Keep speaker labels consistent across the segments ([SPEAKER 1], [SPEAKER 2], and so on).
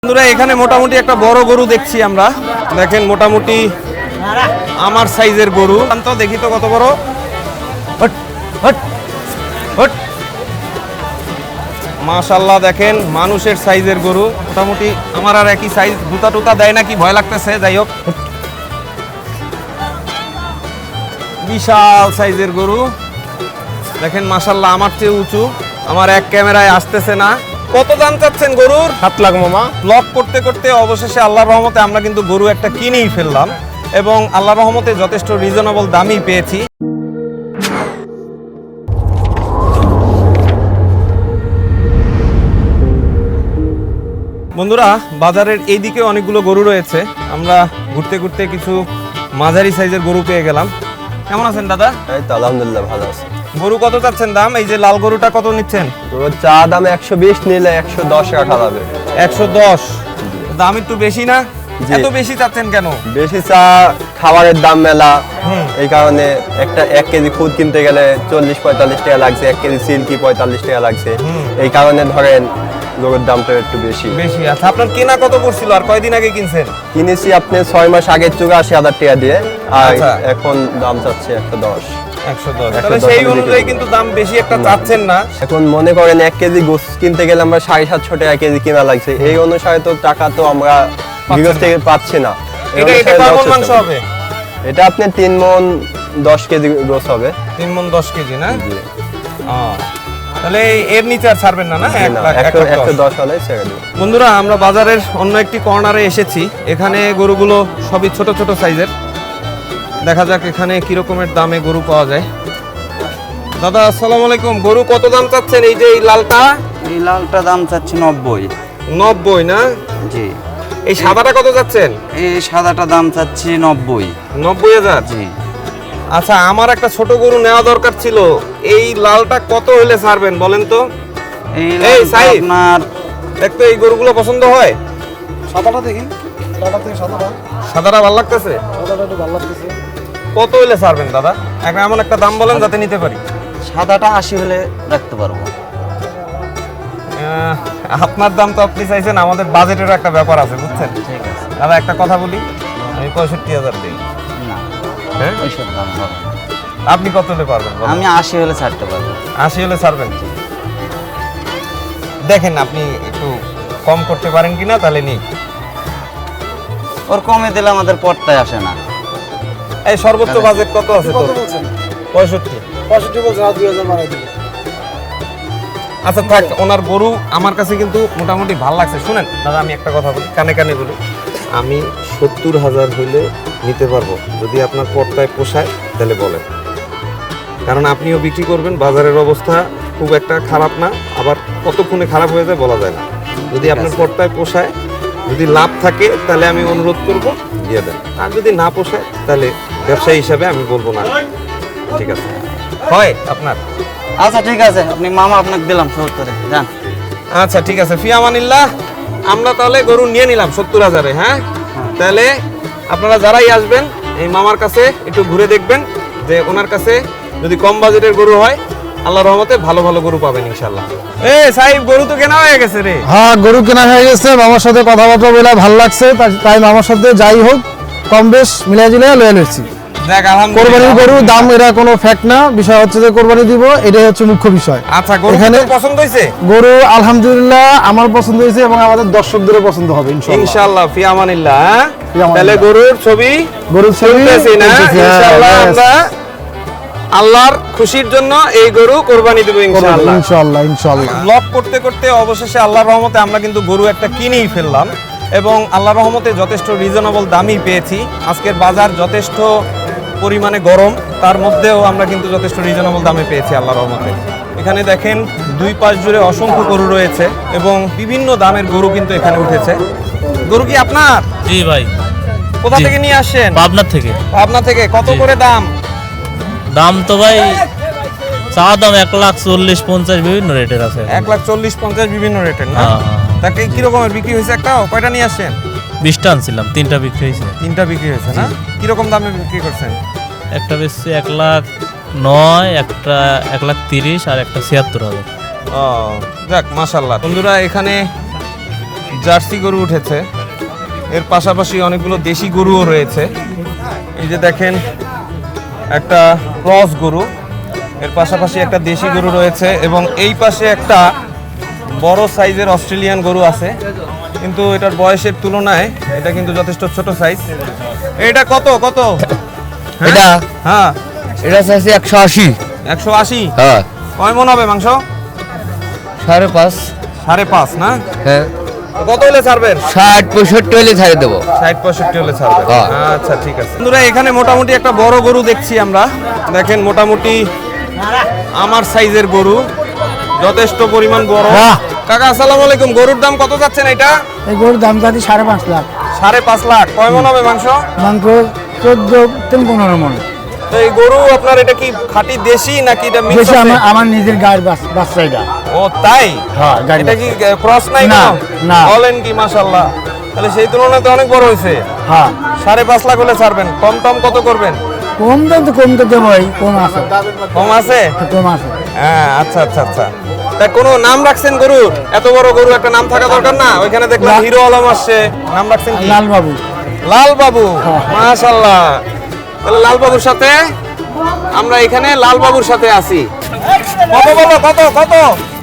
[SPEAKER 1] বন্ধুরা এখানে মোটামুটি একটা বড় গরু দেখছি আমরা। দেখেন মোটামুটি আমার সাইজের গরু। তো দেখি তো কত বড়। হট হট হট, মাশাআল্লাহ দেখেন মানুষের সাইজের গরু। মোটামুটি আমার আর একই সাইজ। জুতা টুতা দেয় নাকি ভয় লাগতেছে। যাই হোক, বিশাল সাইজের গরু দেখেন মাশাআল্লাহ, আমার চেয়ে উঁচু। আমার এক ক্যামেরায় আসতেছে না। কত দাম চাচ্ছেন গরুর?
[SPEAKER 2] 7 লাখ মামা।
[SPEAKER 1] ব্লগ করতে করতে অবশেষে আল্লাহর রহমতে আমরা কিন্তু গরু একটা কিনেই ফেললাম এবং আল্লাহর রহমতে যথেষ্ট রিজনেবল দামই পেয়েছি। বন্ধুরা বাজারের এই দিকে অনেকগুলো গরু রয়েছে। আমরা ঘুরতে ঘুরতে কিছু মাঝারি সাইজের গরু পেয়ে গেলাম। কেমন আছেন দাদা?
[SPEAKER 2] এই তো আলহামদুলিল্লাহ ভালো আছে।
[SPEAKER 1] গরু কত চাচ্ছেন দাম? এই যে লাল গরুটা কত নিচ্ছেন?
[SPEAKER 2] তো চা দাম 120 নিলে 110 রাখা যাবে।
[SPEAKER 1] 110 দাম একটু বেশি না?
[SPEAKER 2] জি।
[SPEAKER 1] এত বেশি চাচ্ছেন কেন?
[SPEAKER 2] বেশি চা খাবারের দাম মেলা, এই কারণে একটা 1 কেজি খুদ কিনতে গেলে 40-45 টাকা লাগছে, 1 কেজি সিল্কি 45 টাকা লাগছে। এই কারণে ধরেন গরুর দামটা একটু বেশি।
[SPEAKER 1] বেশি। আচ্ছা, আপনার কেনা কত পড়ছিল আর কয়দিন আগে কিনছেন?
[SPEAKER 2] কিনেছি আপনি 6 মাস আগে 84,000 টাকা দিয়ে, আর
[SPEAKER 1] আচ্ছা।
[SPEAKER 2] এখন দাম চাচ্ছে 110।
[SPEAKER 1] 110। তাহলে সেই অনুযায়ী কিন্তু দাম বেশি একটা চাচ্ছেন না।
[SPEAKER 2] এখন মনে করেন 1 কেজি গোস কিনতে গেলে আমরা 750 টাকা কেজি কিনা লাগছে। এই অনুসারে তো টাকা তো আমরা বিগত থেকে পাচ্ছি না।
[SPEAKER 1] এটা কয় মণ মাংস হবে?
[SPEAKER 2] এটা আপনি 3 মণ 10 কেজি গোস হবে।
[SPEAKER 1] 3 মণ 10 কেজি না?
[SPEAKER 2] জি।
[SPEAKER 1] তাহলে এর নিচে আর ছাড়বেন না? না,
[SPEAKER 2] 110 হলে ছেড়ে দেব।
[SPEAKER 1] বন্ধুরা আমরা বাজারের অন্য একটি কর্নারে এসেছি। এখানে গরুগুলো সবই ছোট ছোট সাইজের। দেখা যাক এখানে কি রকমের দামে গরু পাওয়া যায়। দাদা আসসালামু আলাইকুম। গরু কত দাম চাচ্ছেন? এই যে এই লালটা?
[SPEAKER 3] এই লালটা দাম চাচ্ছি 90।
[SPEAKER 1] 90 না?
[SPEAKER 3] জি।
[SPEAKER 1] এই সাদাটা কত চাচ্ছেন?
[SPEAKER 3] এই সাদাটা দাম চাচ্ছি 90।
[SPEAKER 1] 90,000।
[SPEAKER 3] জি।
[SPEAKER 1] আচ্ছা, আমার একটা ছোট গরু নেওয়া দরকার ছিল। এই লালটা কত হলে ছাড়বেন বলেন তো?
[SPEAKER 3] এই
[SPEAKER 1] এই
[SPEAKER 3] লালটা
[SPEAKER 1] সাইজ।
[SPEAKER 3] আপনার
[SPEAKER 1] দেখতো এই গরুগুলো পছন্দ হয়?
[SPEAKER 4] সাদাটা দেখি, সাদাটা থেকে সাদাটা
[SPEAKER 1] সাদাটা ভালো লাগতেছে?
[SPEAKER 4] সাদাটা একটু ভালো লাগতেছে।
[SPEAKER 1] কত হলে ছাড়বেন দাদা? এমন একটা দাম বলেন যাতে নিতে পারি।
[SPEAKER 3] সাদাটা 80 হলে রাখতে পারবো।
[SPEAKER 1] আপনার দাম তো আপনি চাইছেন, আমাদের বাজেটেরও একটা ব্যাপার আছে বুঝছেন।
[SPEAKER 3] ঠিক আছে।
[SPEAKER 1] দাদা একটা কথা বলি, আমি 65,000 দিই।
[SPEAKER 3] না,
[SPEAKER 1] হ্যাঁ,
[SPEAKER 3] ওইসব দাম হবে না।
[SPEAKER 1] আপনি কত হলে পারবেন বলেন?
[SPEAKER 3] আমি 80 হলে ছাড়তে পারবো।
[SPEAKER 1] 80 হলে ছাড়বেন? দেখেন আপনি একটু কম করতে পারেন কিনা, তাহলে নিই।
[SPEAKER 3] ওর কমে দিলে আমাদের পড়তায় আসে না।
[SPEAKER 1] এই সর্বোচ্চ বাজেট কত আছে
[SPEAKER 4] কত
[SPEAKER 1] তোর?
[SPEAKER 4] বলছেন?
[SPEAKER 1] 65।
[SPEAKER 4] 65 বলছেন, আর 2000 বাড়াই দিবেন।
[SPEAKER 1] আচ্ছা থাক, ওনার গরু আমার কাছে কিন্তু মোটামুটি ভালো লাগছে। শুনেন দাদা, আমি একটা কথা বলি, কানে কানে বলি। আমি 70,000 হইলে নিতে পারবো, যদি আপনার পর্দায় পোষায় তাহলে বলেন। কারণ আপনিও বিক্রি করবেন, বাজারের অবস্থা খুব একটা খারাপ না, আবার কতক্ষণে খারাপ হয়ে যায় বলা যায় না। যদি আপনার পর্দায় পোষায়, যদি লাভ থাকে তাহলে আমি অনুরোধ করব দিয়ে দেন, আর যদি না পোষায় তাহলে ব্যবসায়ী হিসাবে আমি বলবো না। ঠিক আছে? হয় আপনার?
[SPEAKER 3] আচ্ছা ঠিক আছে, আপনি মামা আপনাকে দিলাম 70-এ যান।
[SPEAKER 1] আচ্ছা ঠিক আছে, ফিয়ামানিল্লাহ। আমরা তাহলে গরু নিয়ে নিলাম 70,000-এ। হ্যাঁ, তাহলে আপনারা যারাই আসবেন এই মামার কাছে একটু ঘুরে দেখবেন যে ওনার কাছে যদি কম বাজেটের গরু হয়, আল্লাহর রহমতে ভালো ভালো গরু পাবেন ইনশাআল্লাহ। সাহিব, গরু তো কেনা হয়ে গেছে রে।
[SPEAKER 4] হ্যাঁ, গরু কেনা হয়ে গেছে। মামার সাথে কথাবার্তা বলে ভালো লাগছে, তাই মামার সাথে যাই হোক কম বেশ মিলাই জিলাই লয়ে নিচ্ছি।
[SPEAKER 1] দেখ
[SPEAKER 4] কোরবানির গরু দাম এরা কোনো ফ্যাক্ট না, বিষয় হচ্ছে যে কোরবানি দিব, এটাই হচ্ছে মুখ্য বিষয়।
[SPEAKER 1] আচ্ছা, গরু
[SPEAKER 4] এখানে
[SPEAKER 1] এখানে পছন্দ হয়েছে?
[SPEAKER 4] গরু আলহামদুলিল্লাহ আমার পছন্দ হয়েছে এবং আমাদের দর্শকদেরও পছন্দ হবে ইনশাআল্লাহ।
[SPEAKER 1] ইনশাআল্লাহ, ফিয়ামানিল্লাহ।
[SPEAKER 4] ফিয়ামানিল্লাহ।
[SPEAKER 1] তাহলে গরুর ছবি
[SPEAKER 4] গরুর ছবি
[SPEAKER 1] তুলতেছি না? ইনশাআল্লাহ আমরা আল্লাহর খুশির জন্য এই গরু কোরবানি দেব ইনশাআল্লাহ।
[SPEAKER 4] ইনশাআল্লাহ ইনশাআল্লাহ।
[SPEAKER 1] ব্লগ করতে করতে অবশেষে আল্লাহর রহমতে আমরা কিন্তু গরু একটা কিনেই ফেললাম এবং আল্লাহর রহমতে যথেষ্ট রিজনেবল দামই পেয়েছি। আজকের বাজার যথেষ্ট পরিমাণে গরম, তার মধ্যেও আমরা কিন্তু যথেষ্ট রিজনেবল দামে পেয়েছি আল্লাহর রহমতে। এখানে দেখেন দুই পাশ জুড়ে অসংখ্য গরু রয়েছে এবং বিভিন্ন দামের গরু কিন্তু এখানে উঠেছে। গরু কি আপনার?
[SPEAKER 5] জি ভাই।
[SPEAKER 1] কোথা
[SPEAKER 5] জি।
[SPEAKER 1] থেকে নিয়ে আসছেন?
[SPEAKER 5] পাবনার থেকে।
[SPEAKER 1] পাবনা থেকে। কত
[SPEAKER 5] জি।
[SPEAKER 1] করে দাম?
[SPEAKER 5] দাম তো ভাই চা দাম 1,40,50 বিভিন্ন রেটের আছে।
[SPEAKER 1] 1,40,50 বিভিন্ন রেটের না?
[SPEAKER 5] হ্যাঁ, হ্যাঁ।
[SPEAKER 1] তাকে কি রকমের বিক্রি হয়েছে? একটাও? কয়টা নিয়ে আসছেন?
[SPEAKER 5] 20টা আনছিলাম, 3টা বিক্রি হয়েছে।
[SPEAKER 1] 3টা বিক্রি হয়েছে না? কিরকম দামে বিক্রি করছেন?
[SPEAKER 5] একটা বেশি 1,09,000, একটা 1,30,000 আর একটা 76,000।
[SPEAKER 1] ও যাক মাশাআল্লাহ। বন্ধুরা এখানে জার্সি গরু উঠেছে, এর পাশাপাশি অনেকগুলো দেশি গরুও রয়েছে। এই যে দেখেন একটা ক্রস গরু, এর পাশাপাশি একটা দেশি গরু রয়েছে এবং এই পাশে একটা বড় সাইজের অস্ট্রেলিয়ান গরু আছে, কিন্তু এটার বয়সের তুলনায় এটা কিন্তু যথেষ্ট ছোট সাইজ। এটা কত কত?
[SPEAKER 6] এটা
[SPEAKER 1] হ্যাঁ
[SPEAKER 6] এটা চাইছে 180।
[SPEAKER 1] 180।
[SPEAKER 6] হ্যাঁ
[SPEAKER 1] কয় মন হবে মাংস?
[SPEAKER 6] 5.5।
[SPEAKER 1] 5.5 না?
[SPEAKER 6] হ্যাঁ
[SPEAKER 1] তো কত হলে ছাড়বেন?
[SPEAKER 6] 60-65 হলে ছাড়ে দেবো।
[SPEAKER 1] 60-65 হলে ছাড়বেন।
[SPEAKER 6] হ্যাঁ।
[SPEAKER 1] আচ্ছা ঠিক আছে বন্ধুরা, এখানে মোটামুটি একটা বড় গরু দেখছি আমরা। দেখেন মোটামুটি আমার সাইজের গরু, যথেষ্ট পরিমাণ বড়। কাকা আসসালামু আলাইকুম, গরুর দাম কত যাচ্ছেন এটা?
[SPEAKER 4] এই গরুর দাম যাচ্ছে 5.5 লাখ।
[SPEAKER 1] 5.5 লাখ। কয় মন হবে মাংস?
[SPEAKER 4] মাংস 14-15 মন।
[SPEAKER 1] তো এই গরু আপনার এটা কি খাঁটি দেশি নাকি এটা মিক্স
[SPEAKER 4] বেশি
[SPEAKER 1] আছে?
[SPEAKER 4] আমার নিজের গায়ের বাচ্চা এটা।
[SPEAKER 1] ও তাই?
[SPEAKER 4] হ্যাঁ, গাড়ি
[SPEAKER 1] এটা কি ক্রস নাই
[SPEAKER 4] না,
[SPEAKER 1] না?
[SPEAKER 4] না।
[SPEAKER 1] বলেন কি, মাশাআল্লাহ। তাহলে সেই তুলনায় তো অনেক বড় হয়েছে।
[SPEAKER 4] হ্যাঁ
[SPEAKER 1] 5.5 লাখ হলে ছাড়বেন। কম টম কত করবেন?
[SPEAKER 4] কম দাম তো কম তো দেবই, কম আছে,
[SPEAKER 1] কম আছে?
[SPEAKER 4] কম আছে।
[SPEAKER 1] হ্যাঁ আচ্ছা আচ্ছা আচ্ছা। তা কোনো নাম রাখছেন গরুর? এত বড় গরু একটা নাম থাকা দরকার না? ওইখানে দেখলাম হিরো আলম আসছে, নাম রাখছেন কি?
[SPEAKER 4] লাল বাবু।
[SPEAKER 1] লাল বাবু। মাশাআল্লাহ। তাহলে লাল বাবুর সাথে আমরা এখানে লাল বাবুর সাথে আছি। কত বলো, কত কত?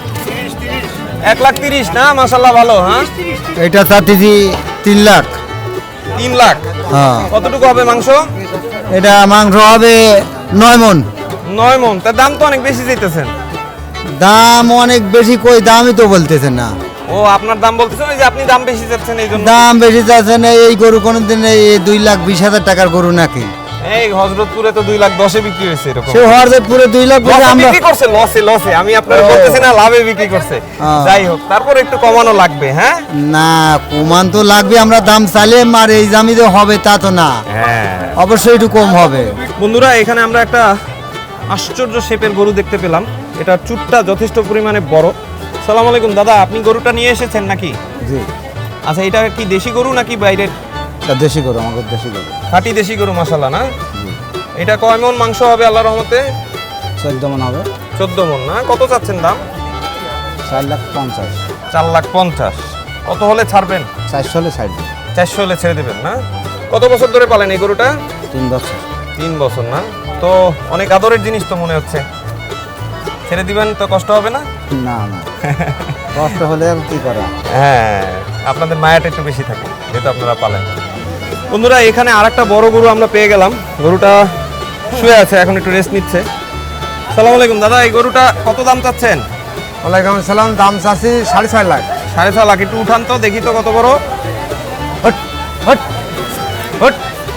[SPEAKER 1] 1,30,000 না? মাশাআল্লাহ ভালো। হ্যাঁ
[SPEAKER 4] এটা চাচ্ছি 3 লাখ।
[SPEAKER 1] 3 লাখ।
[SPEAKER 4] হ্যাঁ
[SPEAKER 1] কতটুকু হবে মাংস?
[SPEAKER 4] এটা মাংস হবে 9 মন।
[SPEAKER 1] 9 মন। তার দাম তো অনেক বেশি চাইতেছেন।
[SPEAKER 4] দাম অনেক বেশি, কই দামই তো বলতেছেন না।
[SPEAKER 1] ও আপনার দাম বলতেছেন, ওই যে আপনি দাম বেশি চাচ্ছেন এই জন্য।
[SPEAKER 4] দাম বেশি যাচ্ছে না, এই গরু কোনোদিন এই 2,20,000 টাকার গরু নাকি?
[SPEAKER 1] এই হযরতপুরে তো 2,10,000 বিক্রি হয়েছে এরকম।
[SPEAKER 4] সে হওয়ার পুরো 2 লাখ
[SPEAKER 1] লসে
[SPEAKER 4] আমরা
[SPEAKER 1] বিক্রি করছে, লসে লসে। আমি আপনার বলতেছি না লাভে বিক্রি করছে। যাই হোক, তারপর একটু কমানো লাগবে। হ্যাঁ
[SPEAKER 4] না, কমান তো লাগবে, আমরা দাম চাইলে আর এই দামই যে হবে তা তো না,
[SPEAKER 1] হ্যাঁ
[SPEAKER 4] অবশ্যই একটু কম হবে।
[SPEAKER 1] বন্ধুরা, এখানে আমরা একটা আশ্চর্য শেপের গরু দেখতে পেলাম। এটা চুটটা যথেষ্ট পরিমাণে বড়। সালাম আলাইকুম দাদা, আপনি গরুটা নিয়ে এসেছেন নাকি?
[SPEAKER 4] জি,
[SPEAKER 1] আচ্ছা, এটা কি দেশি গরু নাকি বাইরের?
[SPEAKER 4] এটা দেশি গরু, আমাদের দেশি গরু।
[SPEAKER 1] খাঁটি দেশি গরু, মাশাআল্লাহ না? এটা কয় মন মাংস হবে আল্লাহর রহমতে?
[SPEAKER 4] 14 মন হবে।
[SPEAKER 1] 14 মন না? কত চাচ্ছেন দাম?
[SPEAKER 4] 4,50,000।
[SPEAKER 1] 4,50,000। কত হলে ছাড়বেন?
[SPEAKER 4] 400 হলে ছাড় দিই।
[SPEAKER 1] 400 হলে ছেড়ে দেবেন না? কত বছর ধরে পালেন এই গরুটা?
[SPEAKER 4] 3 বছর।
[SPEAKER 1] 3 বছর না? তো অনেক আদরের জিনিস তো মনে হচ্ছে। ছেড়ে দিবেন তো কষ্ট হবে না?
[SPEAKER 4] না না, কষ্ট হলে আর কি করা।
[SPEAKER 1] হ্যাঁ, আপনাদের মায়াটা একটু বেশি থাকে যেহেতু আপনারা পালেন। বন্ধুরা, এখানে আরেকটা বড় গরু আমরা পেয়ে গেলাম। গরুটা শুয়ে আছে, এখন একটু রেস্ট নিচ্ছে। সালাম আলাইকুম দাদা, এই গরুটা কত দাম চাচ্ছেন?
[SPEAKER 4] ওয়ালাইকুম আসসালাম, দাম চাচ্ছি 6.5 লাখ।
[SPEAKER 1] 6.5 লাখ। একটু উঠান তো দেখি তো কত বড়।
[SPEAKER 4] Hot hot
[SPEAKER 1] hot.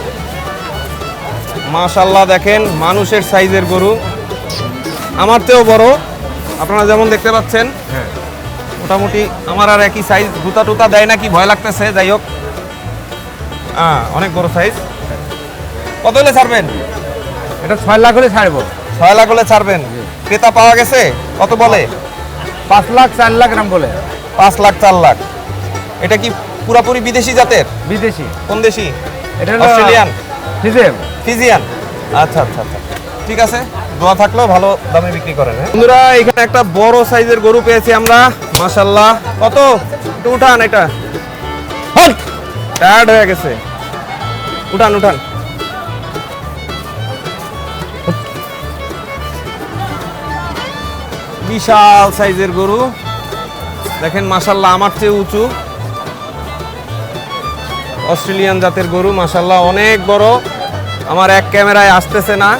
[SPEAKER 1] মাশাআল্লাহ, দেখেন মানুষের সাইজের গরু, আমার চেয়েও বড়। আপনারা যেমন দেখতে পাচ্ছেন, মোটামুটি আমার আর একই সাইজ। জুতা টুতা দেয় নাকি ভয় লাগতেছে। যাই হোক, অনেক বড় সাইজ। কত হলে ছাড়বেন?
[SPEAKER 4] এটা 6 লাখ হলে ছাড়বো।
[SPEAKER 1] 6 লাখ হলে ছাড়বেন। ক্রেতা পাওয়া গেছে? কত বলে?
[SPEAKER 4] 5 লাখ 4 লাখ নাম বলে।
[SPEAKER 1] 5 লাখ 4 লাখ। এটা কি পুরাপুরি বিদেশি জাতের?
[SPEAKER 4] বিদেশি।
[SPEAKER 1] কোন দেশি?
[SPEAKER 4] এটা হলো
[SPEAKER 1] অস্ট্রেলিয়ান,
[SPEAKER 4] ফিজিয়াম।
[SPEAKER 1] ফিজিয়ান। আচ্ছা আচ্ছা আচ্ছা, ঠিক আছে। দোয়া থাকলেও ভালো দামে বিক্রি করেন। বন্ধুরা, এখানে একটা বড় সাইজের গরু পেয়েছি আমরা, মাশাআল্লাহ। কত? একটু উঠান এটা। টায়ার্ড হয়ে গেছে। উঠান উঠান। বিশাল সাইজের গরু, দেখেন মাশাআল্লাহ, আমার চেয়ে উঁচু। অস্ট্রেলিয়ান জাতের গরু, মাশাআল্লাহ অনেক বড়। আমার এক ক্যামেরায় আসতেছে না।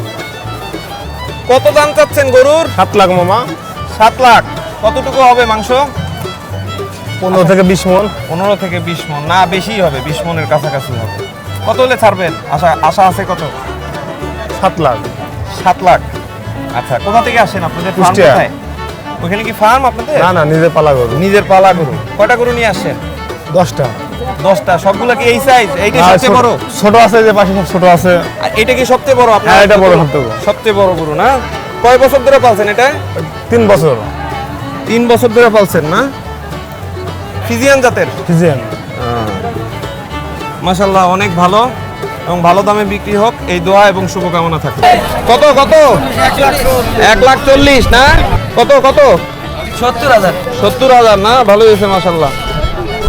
[SPEAKER 1] কত দাম চাচ্ছেন গরুর?
[SPEAKER 2] 7 লাখ মামা।
[SPEAKER 1] 7 লাখ। কতটুকু হবে মাংস?
[SPEAKER 2] 15 থেকে 20 মন।
[SPEAKER 1] 15 থেকে 20 মন না, বেশি হবে, 20 মনের কাছাকাছি হবে। কত হলে ছাড়বেন? আশা আছে কত?
[SPEAKER 2] 7 লাখ।
[SPEAKER 1] 7 লাখ। আচ্ছা, কোথা থেকে আসেন? আপনাদের ফার্ম
[SPEAKER 2] কুষ্টিয়া।
[SPEAKER 1] কোথায়? ওখানে কি ফার্ম আপনাদের?
[SPEAKER 2] না না, নিজে পালা গরু।
[SPEAKER 1] নিজের পালা গরু। কয়টা গরু নিয়ে আসছেন?
[SPEAKER 2] 10টা।
[SPEAKER 1] 10টা। সবগুলো কি এই সাইজ? এইটা সবচেয়ে বড়?
[SPEAKER 2] ছোট আছে, যে পাশে সব ছোট আছে।
[SPEAKER 1] আর এটা কি সবচেয়ে বড় আপনার?
[SPEAKER 2] হ্যাঁ, এটা বড়, সবচেয়ে বড়।
[SPEAKER 1] সবচেয়ে বড় গরু না? কয় বছর ধরে পালছেন এটা?
[SPEAKER 2] 3 বছর।
[SPEAKER 1] 3 বছর ধরে পালছেন না? ফিজিয়ান জাতের।
[SPEAKER 2] ফিজিয়ান।
[SPEAKER 1] মাশাআল্লাহ অনেক ভালো এবং ভালো দামে বিক্রি হোক, এই দোয়া এবং শুভকামনা থাকে। কত কত? 1,40,000 না? কত কত?
[SPEAKER 3] 70,000।
[SPEAKER 1] 70,000 না? ভালো হয়েছে মাশাআল্লাহ।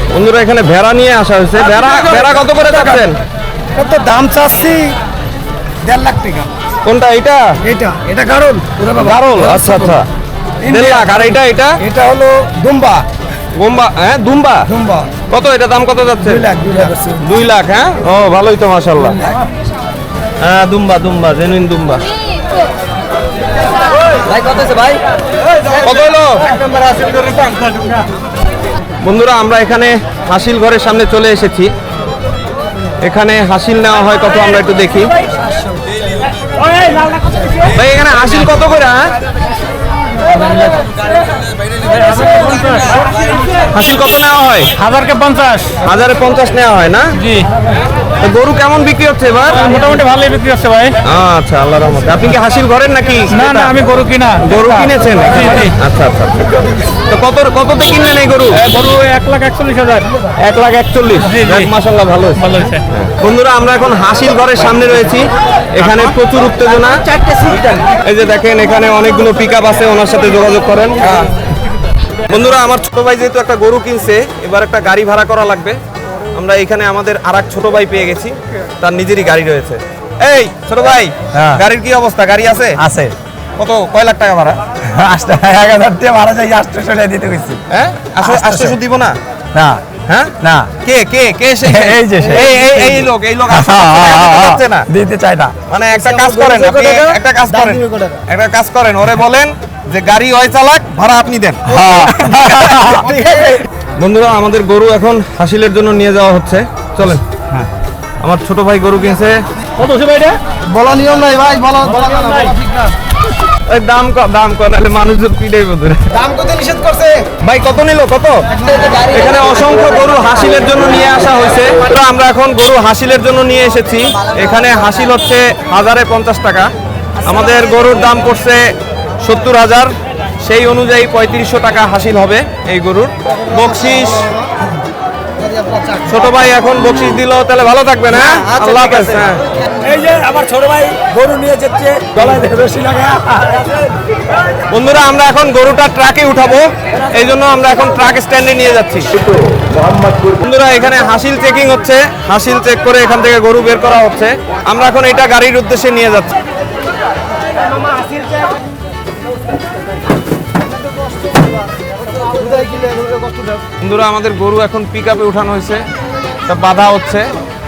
[SPEAKER 1] বন্ধুরা এখানে ভেড়া নিয়ে আসা হয়েছে। ভেড়া ভেড়া কত করে যাচ্ছেন?
[SPEAKER 4] কত দাম চাচ্ছি 1.5 লাখ টাকা।
[SPEAKER 1] কোনটা এটা?
[SPEAKER 4] এটা কারণ
[SPEAKER 1] গারল। আচ্ছা আচ্ছা, 1.5 লাখ। আর এটা এটা
[SPEAKER 4] এটা হলো দুম্বা।
[SPEAKER 1] গোম্বা, হ্যাঁ দুম্বা। কত এটা দাম কত যাচ্ছে? 2 লাখ। হ্যাঁ, ও ভালোই তো মাশাআল্লাহ। হ্যাঁ দুম্বা দুম্বা, জেনুইন দুম্বা।
[SPEAKER 6] ভাই কত আছে ভাই?
[SPEAKER 1] কত হলো? বন্ধুরা আমরা এখানে হাসিল ঘরের সামনে চলে এসেছি। এখানে হাসিল নেওয়া হয় কত আমরা একটু দেখি। ভাই এখানে হাসিল কত করে? হ্যাঁ হাসিল কত নেওয়া হয়?
[SPEAKER 5] 1050।
[SPEAKER 1] 1050 নেওয়া হয় না?
[SPEAKER 5] জি,
[SPEAKER 1] তো গরু কেমন বিক্রি হচ্ছে এবার?
[SPEAKER 5] মোটামুটি ভালোই বিক্রি হচ্ছে ভাই।
[SPEAKER 1] আচ্ছা, আল্লাহর রহমতে। আপনি কি হাসিল ঘরের নাকি?
[SPEAKER 5] না না, আমি গরু কিনা।
[SPEAKER 1] গরু কিনেছেন?
[SPEAKER 5] জি, জি।
[SPEAKER 1] আচ্ছা আচ্ছা। তো কততে কিনলেন এই গরু?
[SPEAKER 5] গরু 1,41,000।
[SPEAKER 1] 1,41,000।
[SPEAKER 5] জি, জি।
[SPEAKER 1] যাক, মাশাআল্লাহ ভালো হয়েছে।
[SPEAKER 5] ভালো হয়েছে।
[SPEAKER 1] বন্ধুরা আমরা এখন হাসিল ঘরের সামনে রয়েছি। এখানে প্রচুর উত্তেজনা। এই যে দেখেন এখানে অনেকগুলো পিকআপ আছে, ওনার সাথে যোগাযোগ করেন। বন্ধুরা আমার ছোট ভাই যেহেতু একটা গরু কিনছে, এবার একটা গাড়ি ভাড়া করা লাগবে। আমরা এখানে আমাদের আরেক ছোট ভাই পেয়ে গেছি, তার নিজেরই গাড়ি রয়েছে। এই ছোট ভাই, গাড়ির কি অবস্থা? গাড়ি আছে?
[SPEAKER 4] আছে
[SPEAKER 1] কত, কয় লাখ টাকা ভাড়া?
[SPEAKER 4] 1,000 টাকা ভাড়া চাই, 800 দিতে গেছি।
[SPEAKER 1] হ্যাঁ, 800 দিব না?
[SPEAKER 4] না
[SPEAKER 1] হ্যাঁ
[SPEAKER 4] না,
[SPEAKER 1] কে কে কে সে?
[SPEAKER 4] এই যে সে।
[SPEAKER 1] এই লোক 800 টাকা দিতে পারছে না।
[SPEAKER 4] দিতে চাই না।
[SPEAKER 1] মানে একটা কাজ করেন, আপনি একটা কাজ করেন, ওরে বলেন যে গাড়ি ওই চালাক, ভাড়া আপনি দেন। বন্ধুরা আমাদের গরু এখন হাসিলের জন্য নিয়ে যাওয়া হচ্ছে, চলেন। আমার ছোট ভাই গরু কিনছে।
[SPEAKER 5] কত হচ্ছে ভাই এটা?
[SPEAKER 4] বলা নিয়ম নাই ভাই, বলা ঠিক না।
[SPEAKER 1] ওই দাম কর নাহলে মানুষজন পিটাই বন্ধুরা।
[SPEAKER 4] দাম কত নিষেধ করছে?
[SPEAKER 1] ভাই কত নিল? কত? এখানে অসংখ্য গরু হাসিলের জন্য নিয়ে আসা হয়েছে। তো আমরা এখন গরু হাসিলের জন্য নিয়ে এসেছি। এখানে হাসিল হচ্ছে 1050 টাকা। আমাদের গরুর দাম পড়ছে 70,000। সেই অনুযায়ী 3500 টাকা হাসিল হবে এই গরুর। বকশিস ছোট ভাই এখন বকশিস দিল, তাহলে ভালো থাকবেন। হ্যাঁ, আল্লাহ হাফেজ। হ্যাঁ,
[SPEAKER 4] এই যে আমার ছোট ভাই গরু নিয়ে যাচ্ছে, গলায় রশি লাগা।
[SPEAKER 1] বন্ধুরা আমরা এখন গরুটা ট্রাকে উঠাবো, এই জন্য আমরা এখন ট্রাক স্ট্যান্ডে নিয়ে যাচ্ছি। বন্ধুরা এখানে হাসিল চেকিং হচ্ছে, হাসিল চেক করে এখান থেকে গরু বের করা হচ্ছে। আমরা এখন এটা গাড়ির উদ্দেশ্যে নিয়ে যাচ্ছি। বন্ধুরা আমাদের গরু এখন পিকআপে উঠানো হয়েছে, সব বাধা হচ্ছে।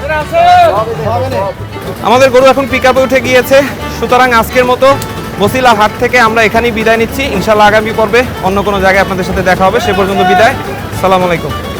[SPEAKER 1] আমাদের গরু এখন পিকআপে উঠে গিয়েছে। সুতরাং আজকের মতো বসিলা হাট থেকে আমরা এখানেই বিদায় নিচ্ছি। ইনশাআল্লাহ আগামী পর্বে অন্য কোনো জায়গায় আপনাদের সাথে দেখা হবে। সে পর্যন্ত বিদায়। আসসালামু আলাইকুম।